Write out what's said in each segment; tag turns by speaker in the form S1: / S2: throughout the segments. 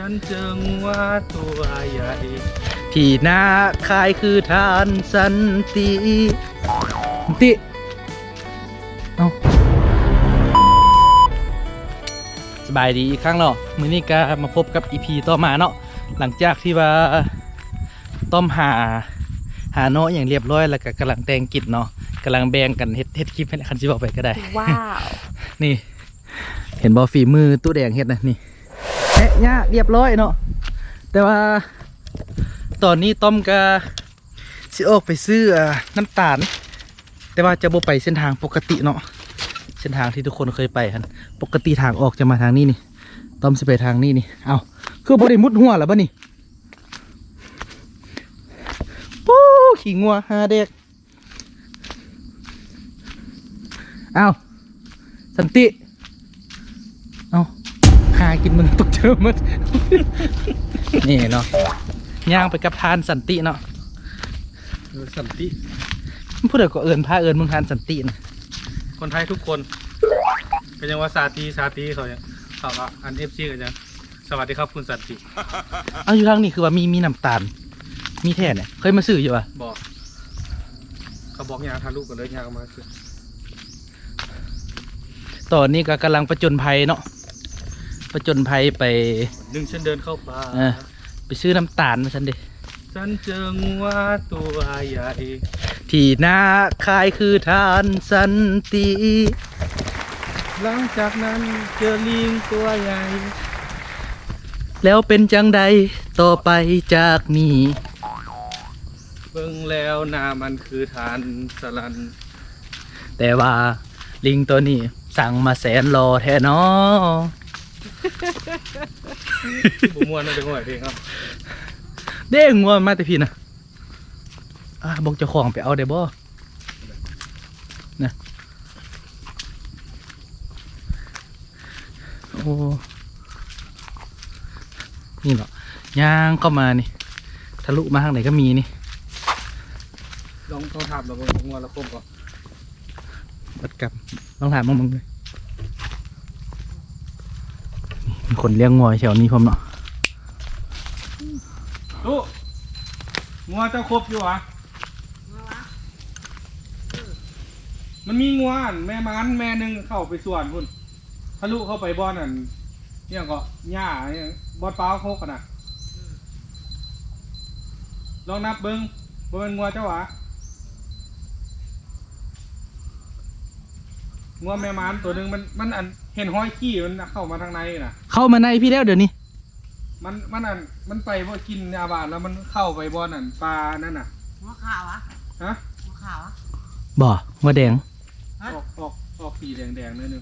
S1: นเจองัวตัวใหญ่
S2: ที่หน้าคายคือทานสันติเอาสบายดีอีกครั้งเนาะมื้อนี้ก็มาพบกับ EP ต่อมาเนาะหลังจากที่ว่าต้อมหาเนาะอย่างเรียบร้อยแล้วก็กำลังแต่งกิจเนาะกำลังแบ่งกันเฮ็ดคลิปให้คันสิบอกไปก็ได้
S3: ว้าว
S2: นี่เห็นบ่ฝีมือตู้แดงเฮ็ดนะนี่แอะยะเรียบร้อยเนาะแต่ว่าตอนนี้ต้อมก็สิออกไปซื้อน้ำตาลแต่ว่าจะบ่ไปเส้นทางปกติเนาะเส้นทางที่ทุกคนเคยไปครับปกติทางออกจะมาทางนี้นี่ต้อมสิไปทางนี้นี่เอาคือบ่ได้มุดหัวแล้วบ่นี่ปู้ขี่งัวหาเด็กเอาสันติเอาหากินมึงตกเจอมัน นี่เนาะย่างไปกับทานสันติเนาะ
S1: สันติ
S2: พูดเดี๋ยวก็เอิญพาเอิญมึงทานสันตินะ
S1: คนไทยทุกคนก็ยังว่าซาตีเขาเนี่ยเขาก็อันเอฟซีกันยังสวัสดีครับคุณสันติ
S2: เอาอยู่ทางนี้คือว่ามีน้ำตาลมีแท่เนี่ยเคยมาซื้ออยู่ป่ะ
S1: บอกเขาบอกยางทาลูกกันเลยยางมาซื้อ
S2: ตอนนี้ก็กำลังประจนภัยเนาะประจนภัยไป
S1: ดึงฉันเดินเข้าป่า
S2: ไปซื้อน้ำตาลมาฉันดิ
S1: ฉันเจองัวตัวใหญ่
S2: ที่หน้าคายคือทานสันติ
S1: หลังจากนั้นเจอลิงตัวใหญ่
S2: แล้วเป็นจังใดต่อไปจากนี้
S1: เบิ่งแล้วหน้ามันคือทานสลัน
S2: แต่ว่าลิงตัวนี้สั่งมาแสนรอแท้เนาะ
S1: บุมวนนั่นเป็นหัวเพลงครับ
S2: เด้งงัวมาแต่พี่นะบอกเจ้าของไปเอาได้บ่นะโอ้นี่เหรอย่างเข้ามานี่ทะลุมาทางไหนก็มีนี่
S1: ลองถามเราบนงัวเราคมก่อน
S2: บัดกับลองถามมึงเลยมีคนเลี้ยงงัวแถวนี้พร้อมเนาะ
S1: ลูกงัวเจ้าครบอยู่หรอมันมีงัวแม่มันแม่หนึ่งเข้าไปส่วนพุ่นทะลุเข้าไปบ่อนนั่นเนี่ยก็หญ้าเนี่ยบ่อนเปล่าโคกกันนะลองนับเบิ้งบ่เป็นงัวเจ้าหรองัวแม่มันตัวหนึ่งมันอันเห็นห้อยขี้มันเข้ามาทางในน่ะ
S2: เข้ามาในพี่แล้วเดี๋ยวนี้
S1: มันไปบ่กินยาบาดแล้วมันเข้าไปบ่อนั่นปลานั่นน่ะ
S3: หัวขาวอะ
S1: ฮะ
S3: หัวขาวอะ
S2: บ่หัวแดง
S1: ออกสีแดงนิดนึง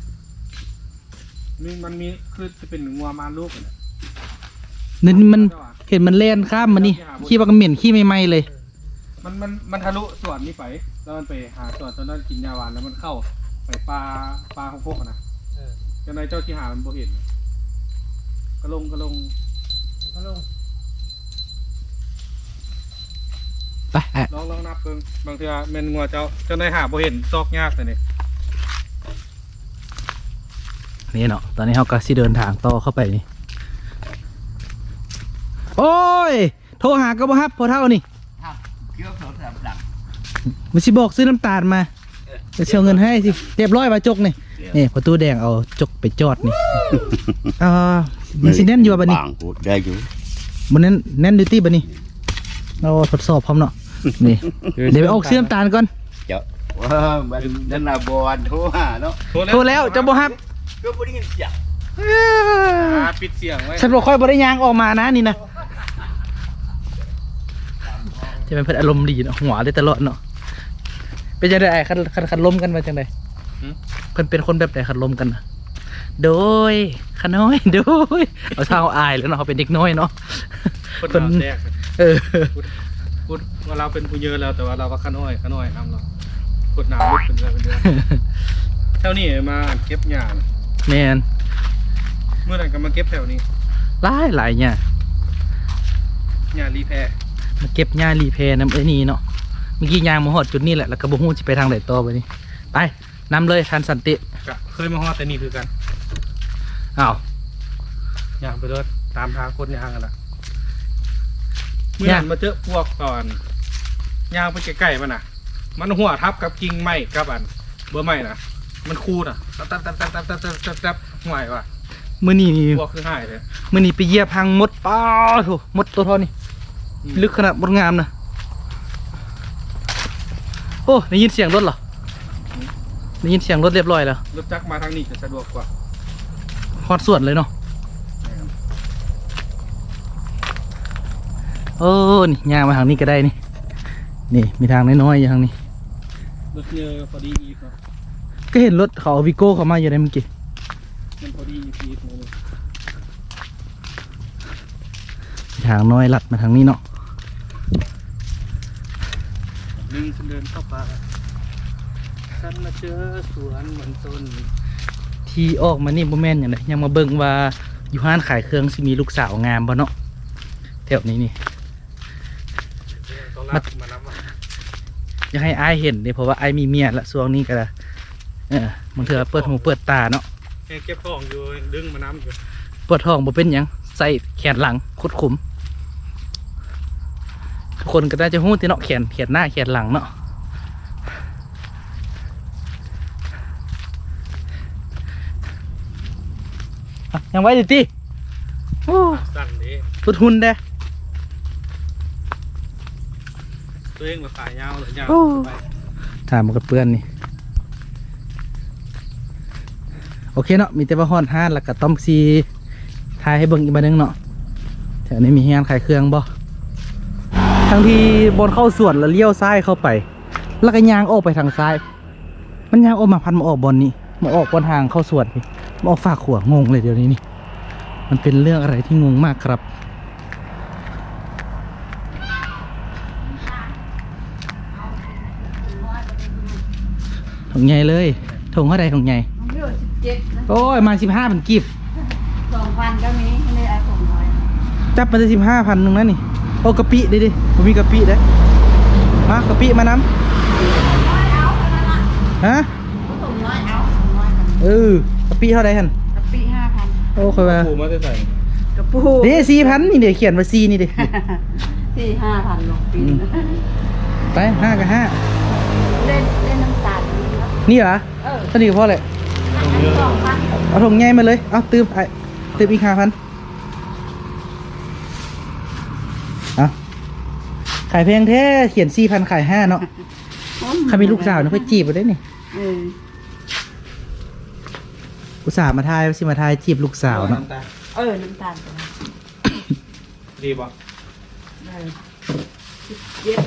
S1: มันมีคือจะเป็นงัวมาลูกเลย
S2: นี่มันเห็นมันเล่นข้ามมานี่ขี้ปลากระเหม็นขี้ไม่ไหมเลย
S1: มันทะลุส่วนนี้ไปแล้วมันไปหาส่วนตอนนั้นกินยาหวานแล้วมันเข้าไปปลาของพวกนะเจ้านายเจ้าที่หามันบ่เห็นกระลง
S2: ไป
S1: ลองนับเพิ่งบางทีเมนงัวเจ้านายหาบ่เห็นซอกยากแต่
S2: นี่เนาะตอนนี้เขาก็สิเดินทางต่อเข้าไปนี่โอ้ยโทรหาก็บ่ฮับพอเท่านี่มันสิบอกซื้อน้ำตาลมาจะเชียวเงินให้สิเรียบร้อยมาจกนี่ประตูแดงเอาจกไปจอดนี่มันสิแน่นอยู่บ่นี่
S4: ได้อยู่
S2: มันแน่นดูตี้บ่นี่เราทดสอบพร้อมเนาะนี่เดี๋ยวไปออกซื้อน้ำตาลก่อน
S4: เจ้าว่ามันนั่นน่ะบอลโทรหาเนาะ
S2: โทรแล้วจะบ่ฮับ
S4: ก็บ่ได้ยินเสียง
S1: ปิดเสียงไว้
S2: ฉันบ่ค่อยบ่ได้ยางออกมานะนี่นะจะเป็นเพื่อนอารมณ์ดีเนาะหัวได้ตลอดเนาะเป็นจังได๋คันล้มกันมาจังได๋เพิ่นเป็นคนแบบไหนคันล้มกันนะโดยขน้อยโดยเอาเท้าอายแล้วเนาะเขาเป็นเด็กน้อยเนาะ
S1: คนแรกพูดว่าเราเป็นผู้เยอะแล้วแต่ว่าเราก็ขน้อยทำเรากดหนาวลุกเป็นเดือนเท่านี้มาเก็บหญ้า
S2: แมน
S1: เมื่อไหร่ก็มาเก็บแถวนี้
S2: หลายเนี่ย
S1: หญ้ารีแพร์
S2: มาเก็บหญ้ารีแพร์น้ำนี่เนาะเมื่อกี้ยางมาหอดจุดนี้แหละแล้วก็บ่ฮู้สิไปทางไหนต่อไปนี่ไปนำเลยทันสันติ
S1: เคยมาฮอดแต่นี่คือกัน
S2: อ้าว
S1: อย่างไปรถตามทางคนยางกันละเมื่อนั้นมาเจอพวกก่อนยางไปใกล้ๆมันน่ะ มันหัวทับกับกิ่งไม้กับอันเบอร์ไม้น่ะ มันคูน่ะตับห่วยว่ะ
S2: มื้อนี้นี่
S1: พวกคือหายเลย
S2: มื้อนี้ไปเหยียบหางมดป้าโถมดตัวเท่านี้ลึกขนาดมดงามนะโอ้ได้ยินเสียงรถเหรอได้ยินเสียงรถเรียบร้อยแล้ว
S1: รถจักรมาทางนี้จะสะดวกกว่า
S2: ฮอดสวนเลยเนาะโอ้นี่ย่างมาทางนี้ก็ได้นี่นี่มีทางน้อยๆอย่างทางนี้
S1: รถเยอะพอดีอีกเนาะ
S2: ก็เห็นรถเขาเอาวิโก้เขามาอยู่ในเมื่อกี้
S1: มันพอดีอีกเลย
S2: มีทางน้อยลัดมาทางนี้เนาะ
S1: ลิงฉันเดินเข้าป่าฉันมาเจอสวนเหมือนต้น
S2: ที่ออกมานี่บ่แม่นอย่างไรยังมาเบิ่งว่าอยู่ห้านขายเครื่องสิมีลูกสาวงามบ่เนาะแถวนี้นี่
S1: ต้องรับมานับว่า
S2: อยากให้อายเห็นเลยเพราะว่าอายมีเมียละช่วงนี้ก็มันเถื่อเปิดหูเปิดตาเนาะ
S1: แค่เก็บของอยู่ดึงมาน้ำอยู่
S2: ปวดท้องบ่เป็นหยังใส่แขนหลังคุดขุมทุกคนก็ได้จะหู้ที่เนาะแขนหน้าแขนหลังเนาะอ่ะยังไว้ดิติโอ้
S1: สั่นดิ
S2: ทุดหุ่นเด้
S1: ตัวเองมาขายยาวเลยยาวไป
S2: ถามมันกับเพื่อนนี่โอเคเนาะมีแต่ว่าฮอนห้านแล้วก็ต้อมซีทายให้เบิ่งอีกบันนึงเนาะแถวนี้มีงานขายเครื่องบ่ทางที่บนเข้าสวนแล้วเลี้ยวซ้ายเข้าไป แล้วก็ยางออกไปทางซ้าย มันยางออกมาพันมาออกบนนี้มาออกบนทางเข้าสวนนี่มาออกฝากขัวงงเลยเดี๋ยวนี้นี่มันเป็นเรื่องอะไรที่งงมากครับถุงใหญ่เลยถุงเท่าไรถุงใหญ่
S3: มันอยู่17นะ
S2: โอ้ยมา15เป็นกีบ
S3: 2,000ก็มีไม่ได้เอาของน้อย
S2: จับมาได้15,000นึงนะนี่โอ้กะปิดิผมมีกะปิเด้มากะปิมาน้
S3: น้อยเอาเท่านั้นล่ะ
S2: ำฮะ
S3: ส่งน้อยเอาส่งน้อยกัน
S2: กะปิเท่าไรฮัน
S3: กะปิ 5,000
S2: โอ้ค่อยว่า
S1: ปูมาจะใส่
S3: กระปู
S2: เด้4,000นี่เดี๋ยวเขียนว่า4นี่เด้
S3: ที่ 5,000ลงปี
S2: ไป5กับ
S3: เล่นน้ำตาลนี่เนาะ
S2: 5นี่เหรอ
S3: เออ
S2: สนิทกับพ่อเลย
S3: อันนี้2,000
S2: เอาถุงใหญ่มาเลยเอาตืมไอ้ตืมอีก5,000เอาขายแพงแท้เขียน4,000ขาย5เนาะใครมีลูกสาวนะเพื่อจีบมาได้นี่
S3: เออ
S2: อุตส่าห์มาทายสิมาทายจีบลูกสาวเนาะ
S3: เออน้ำตาลตัวนั้น
S1: ดีป่ะ
S3: ได้17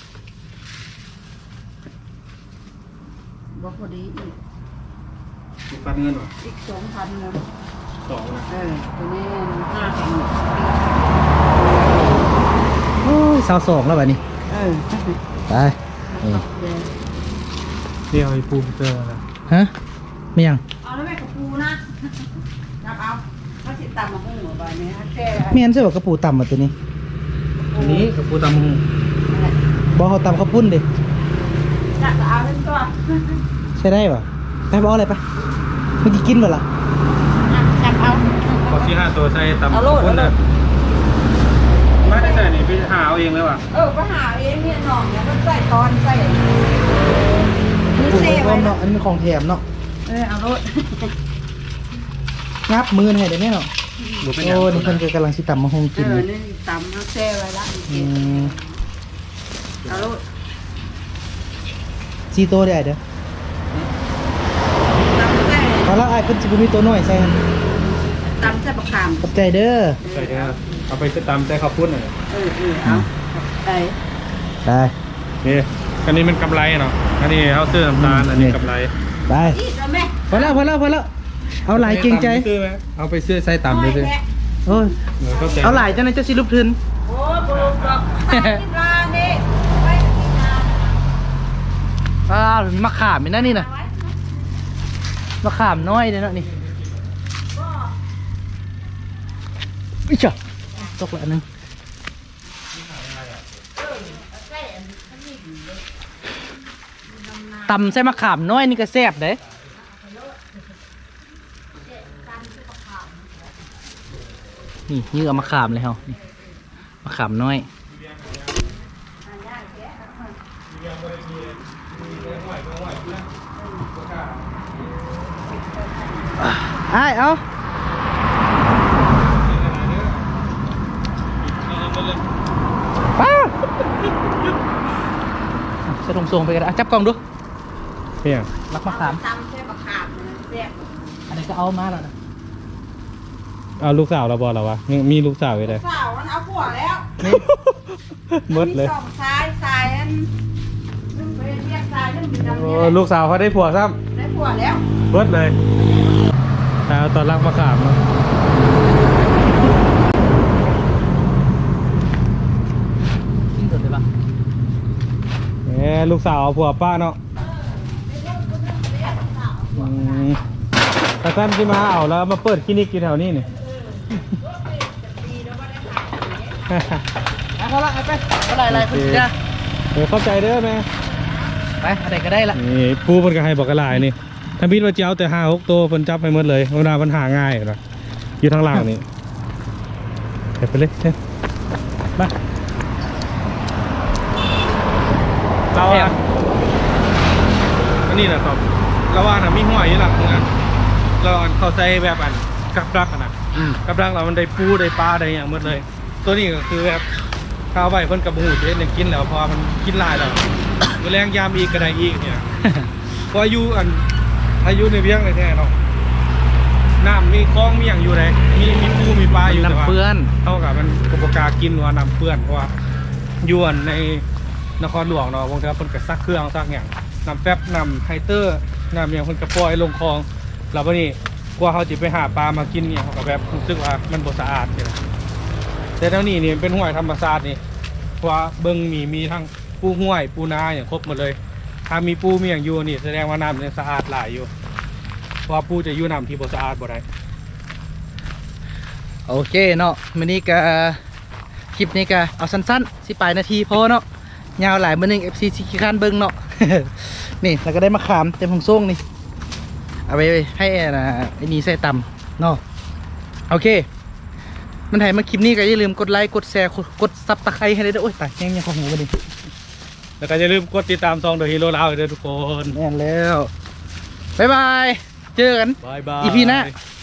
S3: บ่พอดีอีก
S1: มีฟันเงินป่ะ
S3: อีก 2,000เนาะ
S1: 2นะ
S3: เออตัวนี้5,000
S2: โอ้ย22แล้วแบบนี้
S3: เออ
S2: ไป
S1: เดี๋ยวไอ้ปูเจอนะ
S2: ฮะไม่ยัง
S3: เอาแล้วแม่กับปูนะจับเอาเขาสิตำมาหุ้งหัวใบนี้ฮะแค่
S2: เมียนใช่ป่ะกระปูต่ำมาตัวนี้
S1: อันนี้กับปูตำหู
S2: บอเขาต่ำเขาพุ่นดิ
S3: จับเอาเล่นตัว
S2: ใช่ได้ป่ะไปบออะไรไปเมื่อกี้กินไปละ
S3: จับเอา
S1: พอที่5ตัวใส่ตำ
S3: เอาโลด
S1: คนนะไม่ได้ใส่นี่ไปหาเอาเองเลยว่ะ
S3: ก็หาเองเนี่ยหน่องเนี่ยก็ใส่ตอนใส่นี่
S2: ปู
S3: เซ่
S2: ก้
S3: ไว้
S2: อนเนาะอันนี้เป็นของแถมเนาะ
S3: เอาโลด
S2: งับมือให้เดี๋ยวนี้เนาะ
S1: บุเป็นหยัง
S2: โอ้นี่เพิ่นก็กำลังสิต่ำมาหงกินอยู่
S3: นี่ตำเอาแซ่ไว้ละ เอาโลด
S2: ซีโตได้เด้อ
S3: ตำแซ่
S2: พอละไอ้เพิ่นสิบ่มีตัวน้อยใส่หั่น
S3: ตำแซ่ประคาม
S2: ขอบใจเด้อ
S1: ใส่เนี่ยเอาไปตำใส่ข้าวปุ้นหน่อย
S3: เอาไป
S2: ไป
S1: นี่อันนี้มันกำไรเนาะอันนี้เอาเสื้อน้ำตาลอันนี้กำไร
S2: ไป
S3: อีกแล้วแม่
S2: พอแล้วเอาหลายเกรงใจ
S1: ซื้อไหมเอาไปซื้อใส่ตำเลยสิ
S2: โอ้ย
S1: เข้าใจ
S2: เอาหลายจังได๋จะสิลุกทึน
S3: โอ้ปลูกดอกไปกินร้านนี่ไปกินร้าน
S2: มะขามนี่นะนี่น่ะมะขามน้อยเด้อเนาะนี่อิจ้ะตกละอันนึงตำใส่มะขามน้อยนี่ก็แซ่บเด้นี่ยื้อเอามาขามเลยเฮานี่มาขามน้อยอ้ายเอาป้าจะลงทรงไปกันจับกล้องดู
S1: เพียง
S2: รักมะขาม
S3: ตำใช่มะขามเรียก
S2: อันนี้ก็เอามาแล้วนะ
S1: เอาลูกสาวเราบอเราวะมีลูกสาวอยู่เลย
S3: สาวมันเอาผัวแล้ว
S1: หมดเลย
S3: สองสายอันนึงไปเรียกสายนึงมีดำ
S1: โอ้
S3: เนี่ย
S1: ลูกสาวเขาได้ผัวซ้
S3: ได้ผัวแล้ว
S1: ำเบิดเลยเอาตอนรักมาขามเนาะ
S2: ทิ้งสุดเลยปะ
S1: ลูกสาวเอาผัวป้าเนาะแต่ท่านที่มาเอาแล้วมาเปิดคลินิกอยู่แถวนี้นี่
S2: พอละไปอะไรคุณจ้า
S1: เข้าใจเด้อแม่
S2: ไปอะไรก็ได้ละ
S1: นี่ปูมันก็ให้บอกกระลายนี่ถ้าพิดว่าเจ้าแต่5-6 ตัวเพิ่นจับให้หมดเลยเวลามันหาง่ายนะอยู่ทางล่างนี่ไปเลยเช่นมาเราอ่ะอันนี้แหละครับเราว่าน่ะมีหัวอยู่หลังนะเราเขาใส่แบบอันกับรักอะนะกับรักเรามันได้ปูได้ปลาได้อย่างหมดเลย ตัวนี้ก็คือแบบข้าวใบเพิ่นกับหูเด็ดเนี่ยกินแล้วพอมันกินหลายแล้วแรงยามอีกก็ได้อีกเนี่ย พออายุในเวียงเลยแท้เนาะน้ำมีคลองมีอย่างอยู่ไหนมีปูมีปลาอยู่แต่ว่า
S2: น้ำเปื้อน
S1: เท่ากับมันกบกากินว่าน้ำเปื้อนเพราะว่าอยวนในนครหลวงเนาะบางทีเพิ่นก็ซักเครื่องซักอย่างน้ำแป๊บน้ำไฮเตอร์น้ำอย่างเพิ่นก็ปล่อยลงคลองแล้ววันนี้กว่าเขาจะไปหาปลามากินเนี่ยเขาก็แบบรู้สึกว่ามันบ่สะอาดเลยแต่แถวนี้นี่เป็นห้วยธรรมชาตินี่เพราะว่าเบิ่งมีทั้งปูห้วยปูนาอย่างครบหมดเลย ถ้ามีปูมีอย่างอยู่นี่แสดงว่าน้ำเนี่ยสะอาดหลายอยู่เพราะว่าปูจะอยู่น้ำที่บ่สะอาดบ่ได้
S2: โอเคเนาะมื้อนี้ก็คลิปนี้ก็เอาสั้นๆ18 นาทีพอเนาะยาวหลายมื้อนึง FC สิขี้คร้านเบิ่งเนาะ นี่แล้วก็ได้มาขามเต็มของส่งนี่เอาไปให้ไอ้นี่ใส่ตำเนาะโอเคมันถ่ายมาคลิปนี้ก็อย่าลืมกดไลค์กดแชร์กดซับตะไคร้ให้ได้ด้วยโอ้ยตายยังของหูกันดิ
S1: แล้วก็อย่าลืมกดติดตามซองเดอะฮีโร่ลาวด้วยทุกคน
S2: แน่นแล้วบ๊ายบายเจอกัน
S1: บายบาย
S2: อีพีหน้า